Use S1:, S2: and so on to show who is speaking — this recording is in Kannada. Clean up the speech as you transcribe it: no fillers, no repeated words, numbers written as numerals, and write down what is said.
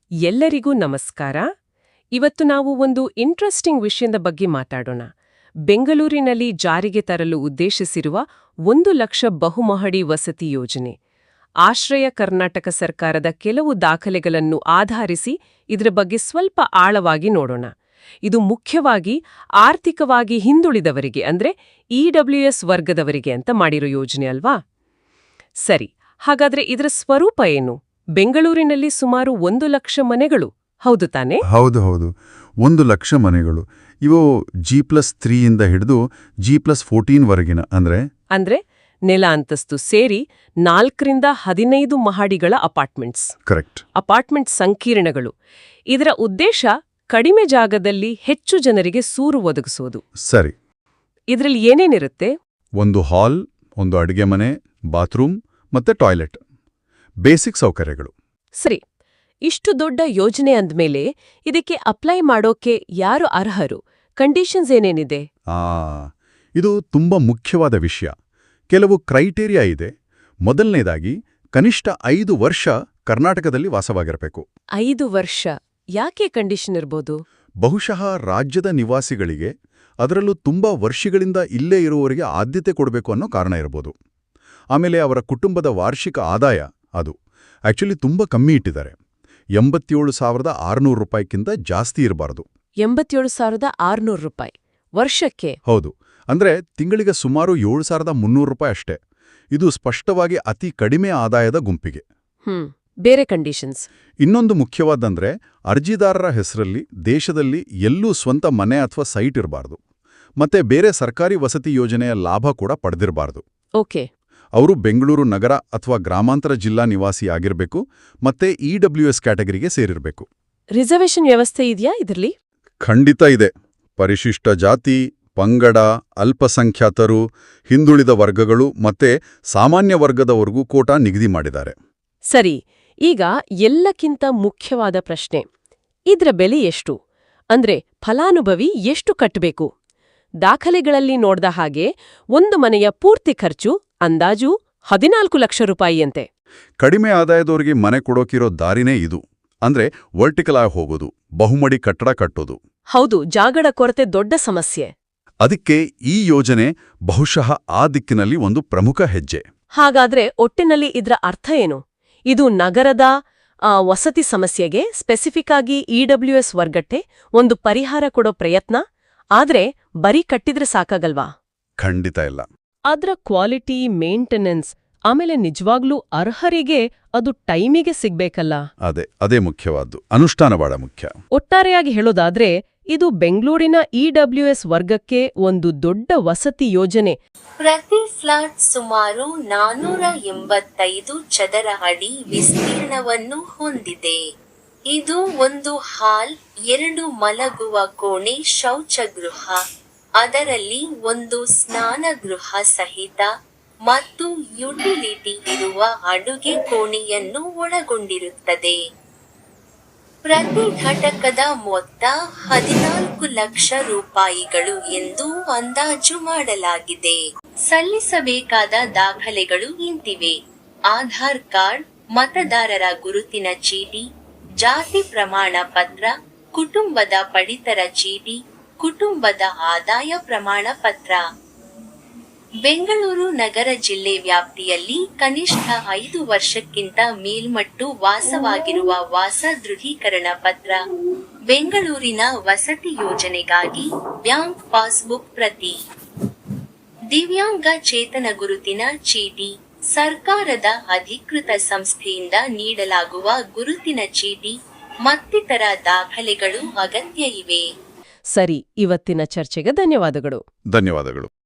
S1: ಎಲ್ಲರಿಗೂ ನಮಸ್ಕಾರ. ಇವತ್ತು ನಾವು ಒಂದು ಇಂಟ್ರೆಸ್ಟಿಂಗ್ ವಿಷಯದ ಬಗ್ಗೆ ಮಾತಾಡೋಣ. ಬೆಂಗಳೂರಿನಲ್ಲಿ ಜಾರಿಗೆ ತರಲು ಉದ್ದೇಶಿಸಿರುವ 1 ಲಕ್ಷ ಬಹುಮಹಡಿ ವಸತಿ ಯೋಜನೆ. ಆಶ್ರಯ ಕರ್ನಾಟಕ ಸರ್ಕಾರದ ಕೆಲವು ದಾಖಲೆಗಳನ್ನು ಆಧರಿಸಿ ಇದರ ಬಗ್ಗೆ ಸ್ವಲ್ಪ ಆಳವಾಗಿ ನೋಡೋಣ. ಇದು ಮುಖ್ಯವಾಗಿ ಆರ್ಥಿಕವಾಗಿ ಹಿಂದುಳಿದವರಿಗೆ ಅಂದ್ರೆ EWS ವರ್ಗದವರಿಗೆ ಅಂತ ಮಾಡಿರೋ ಯೋಜನೆ ಅಲ್ವಾ? ಸರಿ, ಹಾಗಾದ್ರೆ ಇದರ ಸ್ವರೂಪ ಏನು? ಬೆಂಗಳೂರಿನಲ್ಲಿ ಸುಮಾರು 1 ಲಕ್ಷ ಮನೆಗಳು, ಹೌದು ತಾನೇ?
S2: ಹೌದು, 1 ಲಕ್ಷ ಮನೆಗಳು. ಇವು G+3 ಇಂದ ಹಿಡಿದು G+14 ವರೆಗಿನ ಅಂದ್ರೆ
S1: ನೆಲ ಅಂತಸ್ತು ಸೇರಿ 4 ರಿಂದ 15 ಮಹಡಿಗಳ ಅಪಾರ್ಟ್ಮೆಂಟ್ಸ್.
S2: ಕರೆಕ್ಟ್.
S1: ಅಪಾರ್ಟ್ಮೆಂಟ್ ಸಂಕೀರ್ಣಗಳು. ಇದರ ಉದ್ದೇಶ ಕಡಿಮೆ ಜಾಗದಲ್ಲಿ ಹೆಚ್ಚು ಜನರಿಗೆ ಸೂರು ಒದಗಿಸೋದು.
S2: ಸರಿ.
S1: ಇದರಲ್ಲಿ ಏನೇನಿರುತ್ತೆ?
S2: ಒಂದು ಹಾಲ್, ಒಂದು ಅಡುಗೆ ಮನೆ, ಬಾತ್ರೂಮ್ ಮತ್ತೆ ಟಾಯ್ಲೆಟ್, ಬೇಸಿಕ್ ಸೌಕರ್ಯಗಳು.
S1: ಸರಿ, ಇಷ್ಟು ದೊಡ್ಡ ಯೋಜನೆ ಅಂದ್ಮೇಲೆ ಇದಕ್ಕೆ ಅಪ್ಲೈ ಮಾಡೋಕೆ ಯಾರು ಅರ್ಹರು? ಕಂಡೀಷನ್ಸ್ ಏನೇನಿದೆ?
S2: ಇದು ತುಂಬಾ ಮುಖ್ಯವಾದ ವಿಷಯ. ಕೆಲವು ಕ್ರೈಟೇರಿಯಾ ಇದೆ. ಮೊದಲನೇದಾಗಿ ಕನಿಷ್ಠ 5 ವರ್ಷ ಕರ್ನಾಟಕದಲ್ಲಿ ವಾಸವಾಗಿರಬೇಕು.
S1: 5 ವರ್ಷ ಯಾಕೆ ಕಂಡೀಷನ್ ಇರ್ಬೋದು?
S2: ಬಹುಶಃ ರಾಜ್ಯದ ನಿವಾಸಿಗಳಿಗೆ, ಅದರಲ್ಲೂ ತುಂಬಾ ವರ್ಷಗಳಿಂದ ಇಲ್ಲೇ ಇರುವವರಿಗೆ ಆದ್ಯತೆ ಕೊಡಬೇಕು ಅನ್ನೋ ಕಾರಣ ಇರಬಹುದು. ಆಮೇಲೆ ಅವರ ಕುಟುಂಬದ ವಾರ್ಷಿಕ ಆದಾಯ ಅದು ಆಕ್ಚುಲಿ ತುಂಬಾ ಕಮ್ಮಿ ಇಟ್ಟಿದ್ದಾರೆ. 87,600 ರೂಪಾಯಿಗಿಂತ ಜಾಸ್ತಿ ಇರಬಾರದು.
S1: 87,600 ರೂಪಾಯಿ ವರ್ಷಕ್ಕೆ?
S2: ಹೌದು. ಅಂದ್ರೆ ತಿಂಗಳಿಗೆ ಸುಮಾರು 7,300 ರೂಪಾಯಿ ಅಷ್ಟೇ. ಇದು ಸ್ಪಷ್ಟವಾಗಿ ಅತಿ ಕಡಿಮೆ ಆದಾಯದ ಗುಂಪಿಗೆ.
S1: ಬೇರೆ ಕಂಡೀಷನ್ಸ್?
S2: ಇನ್ನೊಂದು ಮುಖ್ಯವಾದಂದ್ರೆ ಅರ್ಜಿದಾರರ ಹೆಸರಲ್ಲಿ ದೇಶದಲ್ಲಿ ಎಲ್ಲೂ ಸ್ವಂತ ಮನೆ ಅಥವಾ ಸೈಟ್ ಇರಬಾರ್ದು. ಮತ್ತೆ ಬೇರೆ ಸರ್ಕಾರಿ ವಸತಿ ಯೋಜನೆಯ ಲಾಭ ಕೂಡ ಪಡೆದಿರಬಾರ್ದು.
S1: ಓಕೆ.
S2: ಅವರು ಬೆಂಗಳೂರು ನಗರ ಅಥವಾ ಗ್ರಾಮಾಂತರ ಜಿಲ್ಲಾ ನಿವಾಸಿ ಆಗಿರಬೇಕು ಮತ್ತೆ EWS ಕ್ಯಾಟಗರಿಗೆ ಸೇರಿರಬೇಕು.
S1: ರಿಸರ್ವೇಷನ್ ವ್ಯವಸ್ಥೆ ಇದೆಯಾ ಇದರಲ್ಲಿ?
S2: ಖಂಡಿತ ಇದೆ. ಪರಿಶಿಷ್ಟ ಜಾತಿ, ಪಂಗಡ, ಅಲ್ಪಸಂಖ್ಯಾತರು, ಹಿಂದುಳಿದ ವರ್ಗಗಳು ಮತ್ತೆ ಸಾಮಾನ್ಯ ವರ್ಗದವರೆಗೂ ಕೋಟಾ ನಿಗದಿ ಮಾಡಿದ್ದಾರೆ.
S1: ಸರಿ, ಈಗ ಎಲ್ಲಕ್ಕಿಂತ ಮುಖ್ಯವಾದ ಪ್ರಶ್ನೆ, ಇದ್ರ ಬೆಲೆ ಎಷ್ಟು? ಅಂದ್ರೆ ಫಲಾನುಭವಿ ಎಷ್ಟು ಕಟ್ಟಬೇಕು? ದಾಖಲೆಗಳಲ್ಲಿ ನೋಡ್ದ ಹಾಗೆ ಒಂದು ಮನೆಯ ಪೂರ್ತಿ ಖರ್ಚು ಅಂದಾಜು 14 ಲಕ್ಷ ರೂಪಾಯಿಯಂತೆ.
S2: ಕಡಿಮೆ ಆದಾಯದವರಿಗೆ ಮನೆ ಕೊಡೋಕಿರೋ ದಾರಿನೇ ಇದು. ಅಂದ್ರೆ ವರ್ಟಿಕಲ್ ಆಗಿ ಹೋಗೋದು, ಬಹುಮಡಿ ಕಟ್ಟಡ ಕಟ್ಟೋದು.
S1: ಹೌದು, ಜಾಗದ ಕೊರತೆ ದೊಡ್ಡ ಸಮಸ್ಯೆ.
S2: ಅದಕ್ಕೆ ಈ ಯೋಜನೆ ಬಹುಶಃ ಆ ದಿಕ್ಕಿನಲ್ಲಿ ಒಂದು ಪ್ರಮುಖ ಹೆಜ್ಜೆ.
S1: ಹಾಗಾದ್ರೆ ಒಟ್ಟಿನಲ್ಲಿ ಇದ್ರ ಅರ್ಥ ಏನು? ಇದು ನಗರದ ವಸತಿ ಸಮಸ್ಯೆಗೆ ಸ್ಪೆಸಿಫಿಕ್ ಆಗಿ EWS ವರ್ಗಕ್ಕೆ ಒಂದು ಪರಿಹಾರ ಕೊಡೋ ಪ್ರಯತ್ನ. ಆದ್ರೆ ಬರೀ ಕಟ್ಟಿದ್ರೆ ಸಾಕಾಗಲ್ವಾ?
S2: ಖಂಡಿತ ಇಲ್ಲ.
S1: ಅದ್ರ ಕ್ವಾಲಿಟಿ, ಮೇಂಟೆನೆನ್ಸ್, ಆಮೇಲೆ ನಿಜವಾಗ್ಲೂ ಅರ್ಹರಿಗೆ ಅದು ಟೈಮಿಗೆ ಸಿಗ್ಬೇಕಲ್ಲ?
S2: ಅದೇ ಮುಖ್ಯವಾದ್ದು. ಅನುಷ್ಠಾನ ಬಹಳ ಮುಖ್ಯ.
S1: ಒಟ್ಟಾರೆಯಾಗಿ ಹೇಳೋದಾದ್ರೆ ಇದು ಬೆಂಗಳೂರಿನ EWS ವರ್ಗಕ್ಕೆ ಒಂದು ದೊಡ್ಡ ವಸತಿ ಯೋಜನೆ.
S3: ಪ್ರತಿ ಫ್ಲಾಟ್ ಸುಮಾರು 485 ಚದರ ಅಡಿ ವಿಸ್ತೀರ್ಣವನ್ನು ಹೊಂದಿದೆ. ಇದು ಒಂದು ಹಾಲ್, 2 ಮಲಗುವ ಕೋಣೆ, ಶೌಚಗೃಹ, ಅದರಲ್ಲಿ ಒಂದು ಸ್ನಾನಗೃಹ ಸಹಿತ ಮತ್ತು ಯುಟಿಲಿಟಿ ಇರುವ ಅಡುಗೆ ಕೋಣೆಯನ್ನು ಒಳಗೊಂಡಿರುತ್ತದೆ. ಪ್ರತಿ ಘಟಕದ ಮೊತ್ತ 14 ಲಕ್ಷ ರೂಪಾಯಿಗಳು ಎಂದು ಅಂದಾಜು ಮಾಡಲಾಗಿದೆ. ಸಲ್ಲಿಸಬೇಕಾದ ದಾಖಲೆಗಳು ಇಂತಿವೆ: ಆಧಾರ್ ಕಾರ್ಡ್, ಮತದಾರರ ಗುರುತಿನ ಚೀಟಿ, ಜಾತಿ ಪ್ರಮಾಣ ಪತ್ರ, ಕುಟುಂಬದ ಪಡಿತರ ಚೀಟಿ, ಕುಟುಂಬದ ಆದಾಯ ಪ್ರಮಾಣ ಪತ್ರ. ಬೆಂಗಳೂರು ನಗರ ಜಿಲ್ಲೆ ವ್ಯಾಪ್ತಿಯಲ್ಲಿ ಕನಿಷ್ಠ 5 ವರ್ಷಕ್ಕಿಂತ ಮೇಲ್ಮಟ್ಟು ವಾಸವಾಗಿರುವ ವಾಸ ದೃಢೀಕರಣ ಪತ್ರ. ಬೆಂಗಳೂರಿನ ವಸತಿ ಯೋಜನೆಗಾಗಿ ಬ್ಯಾಂಕ್ ಪಾಸ್ಬುಕ್ ಪ್ರತಿ. ದಿವ್ಯಾಂಗ ಚೇತನ ಗುರುತಿನ ಚೀಟಿ. ಸರ್ಕಾರದ ಅಧಿಕೃತ ಸಂಸ್ಥೆಯಿಂದ ನೀಡಲಾಗುವ ಗುರುತಿನ ಚೀಟಿ ಮತ್ತಿತರ ದಾಖಲೆಗಳು ಅಗತ್ಯ ಇವೆ.
S1: ಸರಿ, ಇವತ್ತಿನ ಚರ್ಚೆಗೆ ಧನ್ಯವಾದಗಳು.
S2: ಧನ್ಯವಾದಗಳು.